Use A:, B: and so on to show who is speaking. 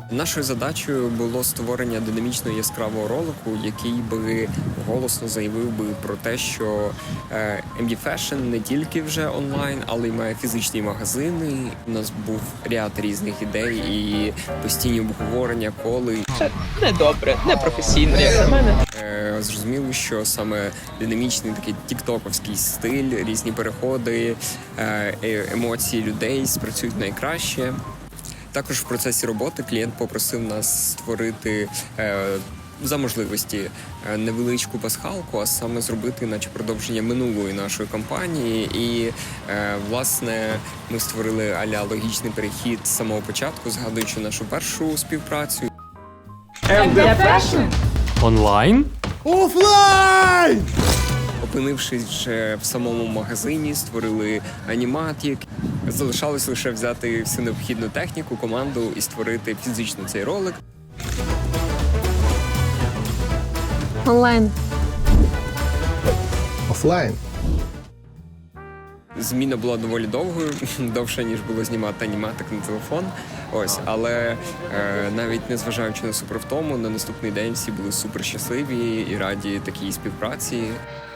A: Нашою задачею було створення динамічного яскравого ролику, який би голосно заявив би про те, що MD Fashion не тільки вже онлайн, але й має фізичні магазини. У нас був ряд різних ідей і постійні обговорення, коли
B: Це недобре, непрофесійно, як на мене.
A: Зрозуміло, що саме динамічний такий тіктоковський стиль, різні переходи, емоції людей спрацюють найкраще. Також в процесі роботи клієнт попросив нас створити за можливості невеличку пасхалку, а саме зробити наче продовження минулої нашої кампанії. І, власне, ми створили а-ля логічний перехід з самого початку, згадуючи нашу першу співпрацю.
B: MD Fashion?
C: Онлайн?
D: Офлайн!
A: Опинившись вже в самому магазині, створили аніматік. Залишалось лише взяти всю необхідну техніку, команду і створити фізично цей ролик.
E: Онлайн.
D: Офлайн.
A: Зміна була доволі довгою, довше, ніж було знімати аніматик на телефон. Ось, але навіть незважаючи на супервтому, на наступний день всі були супер щасливі і раді такій співпраці.